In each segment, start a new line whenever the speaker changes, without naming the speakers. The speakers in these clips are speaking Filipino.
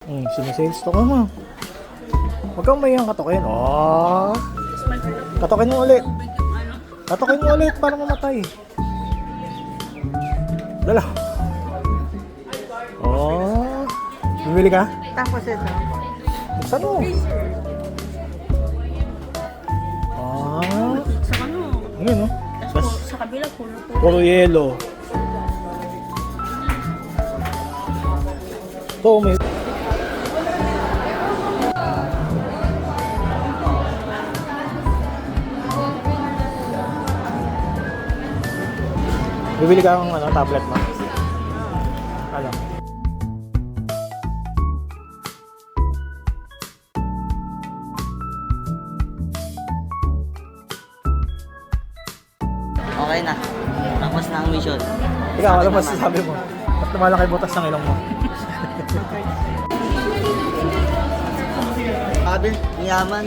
Sinisales to ka mo. Huwag kang mayang katokin. Oh. Katokin mo ulit. Katokin mo ulit para mamatay. Dala. Oh. Bibili ka?
Tapos ito.
Buksan mo. Ah.
Sa ano?
Ngayon, no?
Tapos sa kabila, pulo-pulo.
Puro yelo. Ito, may... Bibili ka ng tablet mo? Ano?
Okay na. Tapos na ang mission.
Ikaw, ano masasabi mo? Ba't lumalaki butas ng ilong mo?
Sabi, yaman.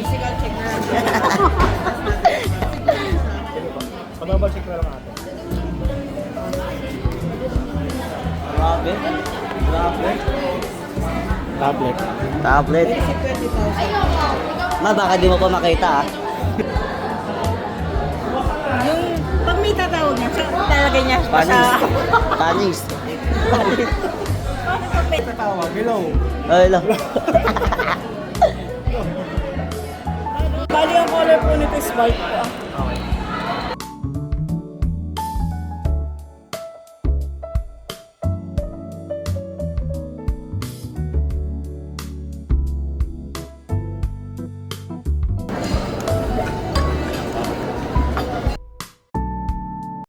Pababal check na lang natin.
Grabe. Grabe.
Tablet.
Tablet. Ma, baka di mo pa makita ah.
Yung pag may tatawag niya, talagay niya pa sa...
Panis. Panis.
Pag may
Tawag, hello.
Ay, lang.
Bali ang color po nito is white po.
Okay.